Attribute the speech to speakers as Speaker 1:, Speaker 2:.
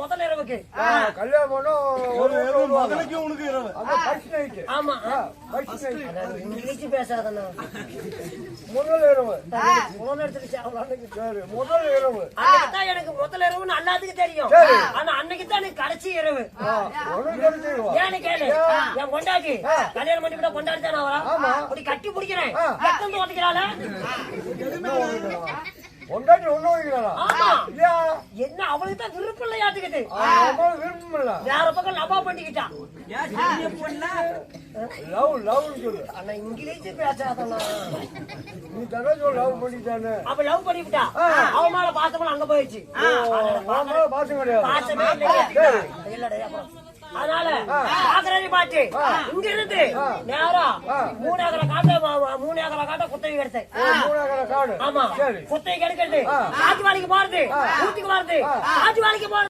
Speaker 1: முதல் இரவுக்கு
Speaker 2: கல்யாணம்
Speaker 3: முதலுக்கு உனக்கு இரவு.
Speaker 1: ஆமா இங்கிலீஷ் பேசாதண்ணா.
Speaker 2: முதல் இரவு
Speaker 1: போன் எடுத்துக்கிச்சு
Speaker 2: சரி முதல் இரவு
Speaker 1: அன்னைக்குதான் எனக்கு முதல் இரவுன்னு எல்லாத்துக்கும் தெரியும். ஆனா அன்னைக்குதான் எனக்கு கடைசி இரவு. ஏன்னு கேளு, என் கொண்டாட்டி கல்யாணம் பண்ணி கூட கொண்டாடி தானே அவரா அப்படி கட்டி பிடிக்கிறேன். எத்தனை ஓட்டிக்கிறாள
Speaker 2: கொண்டாட்டி ஒண்ணு வைக்கிறாளா?
Speaker 1: என்ன அவளுக்கு தான் விருப்பம் இல்லையாட்டுக்கிட்டு
Speaker 2: விருப்பம் இல்ல
Speaker 1: வேற பக்கம் லவா பண்ணிக்கிட்டான்.
Speaker 2: லவ் லவ் சொல்லு.
Speaker 1: ஆனா இங்கிலீஷ் பேசாதண்ணா.
Speaker 2: நீ தானே லவ் பண்ணிட்டானே.
Speaker 1: அவ லவ் பண்ணிவிட்டா. அவன் மேல பாசமெல்லாம் அங்க போயிடுச்சு.
Speaker 2: பாசம் கிடையாது.
Speaker 1: பாசமே இல்லையா? இல்லடா அப்புறம் அதனால பாக்குறேன் பாட்டு இங்க இருந்து நேரா 3 ஏக்கரை காட்ட குத்தகை எடுத்தேன்.
Speaker 2: காடு
Speaker 1: ஆமா குத்தகை எடுக்கிறது காட்டு வேலைக்கு போறது ஊத்துக்கு போறது காட்டு வேலைக்கு போறது.